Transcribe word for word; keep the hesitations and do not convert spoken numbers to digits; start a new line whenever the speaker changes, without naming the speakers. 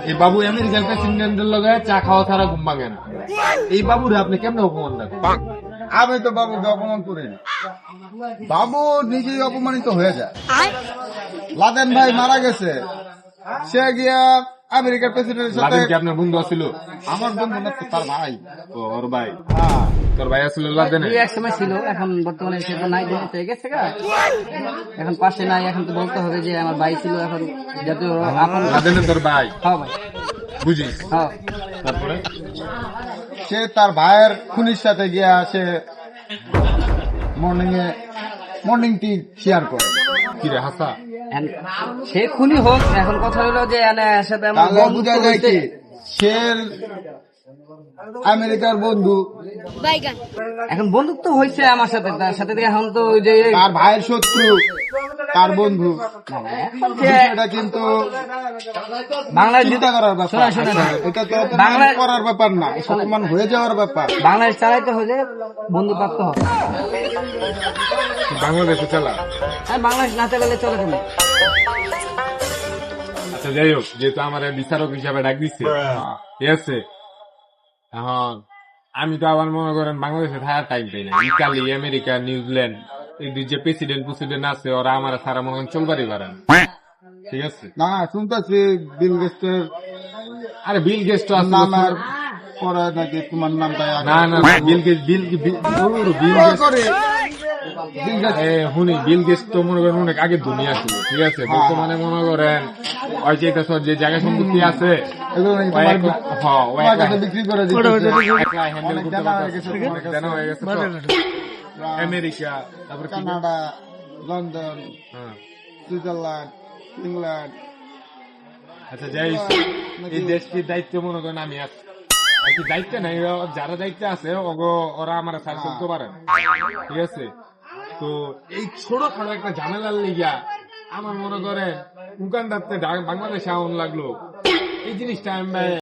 এই বাবু আমেরিকার প্রেসিডেন্টের লগে চা খাওয়া ছাড়া ঘুম ভাঙে না। এই বাবুরে আপনি কেমনে অপমান দেখেন?
আমি তো বাবুকে অপমান করি না, বাবু নিজেই অপমানিত হয়ে যায়। লাদেন ভাই মারা গেছে, সে গিয়া আমেরিকার প্রেসিডেন্টের সাথে।
লাদেন কি আপনার বন্ধু ছিল?
আমার বন্ধু না তো, তার ভাই।
ও, ওর ভাই।
হ্যাঁ,
তোর ভাই আসলে লাদেনে?
এক সময় ছিল, এখন বর্তমানে সে তো নাই, দেশে থেকে গেছে গা। এখন পাশে নাই, এখন তো বলতে হবে যে আমার ভাই ছিল, এখন যাতে এখন
লাদেনে তোর ভাই?
হ্যাঁ ভাই,
বুঝিস?
হ্যাঁ।
তারপরে
সে তার ভাইয়ের খুনির সাথে গিয়া সে মর্নিং এ মর্নিং টি শেয়ার করে।
কি রে হাসা?
এখন সে খুনি হোক, এখন কথা হলো যে এনে সাথে আমার
তাহলে
বন্ধুত্ব
বোঝা যায়
হইতে-
কি সে আমেরিকার বন্ধু,
এখন বন্ধুত্ব হয়েছে আমার সাথে, তার সাথে থেকে এখন তো ওই যে
তার ভাইয়ের শত্রু তার বন্ধু।
এখন যে
এটা কিন্তু
বাংলাদেশ
চিন্তা করার ব্যাপার।
শোনা শোনা না।
এটা তো অপমান
বাংলা-
করার ব্যাপার না, অপমান হয়ে যাওয়ার ব্যাপার।
বাংলাদেশ চালাইতে হলে বন্ধু প্রাপ্ত হবে।
বাংলাদেশে চালা?
আর বাংলাদেশ না চালালে চলে কেন?
আচ্ছা যাই হোক, যেহেতু আমার বিচারক হিসাবে ডাক দিচ্ছে, ঠিক আছে, এখন আমি তো আবার মনে করেন বাংলাদেশে থাকার টাইম পাই না। ইতালি, আমেরিকা, নিউজিল্যান্ড, এদের যে প্রেসিডেন্ট প্রেসিডেন্ট আছে, ওরা আমার সারা মনে করেন চলবারই পারে না। ঠিক আছে?
না, শুনতেছি বিল গেস্টের
আরে বিল গেটস তো আছে
নাম আর
বছর-
পরে নাকি তোমার নামটা
না না না, বিল গেটস বিল বিল ওর বিল গেটস
করে বিল গেস্ট।
এ হুনি বিল গেটস তো মনে করেন অনেক আগে দুনিয়া ছিল। ঠিক আছে, বর্তমানে মনে করেন ওই যে এটা সব যে জায়গা সম্পত্তি আছে,
এগুলো নাকি
ও
তোমার
একলা- হ্যাঁ, ও
তোমার
একলা-
কাছে বিক্রি করে দিতেছে।
একলা হ্যান্ডেল
অনেক
করতে
জানা হয়ে
পারতেছে,
গেছে তোমার
অনেক
কাছে।
জানা হয়ে গেছে তো। আমেরিকা, তারপরে কি-
কানাডা, লন্ডন,
হ্যাঁ।
Switzerland, England.
আচ্ছা যাই হোক, এই দেশটির দায়িত্ব মনে করেন আমি আছি। আর কি দায়িত্ব নাই, ও- যারা দায়িত্ব আছে ওগো- ওরা আমার সার চলতে পারে না। ঠিক আছে, তো এই ছোট খাটো একটা ঝামেলার লিগা আমার মনে করেন উগান্ডাতে বাংলাদেশে আউন লাগলো, এই জিনিসটা আমি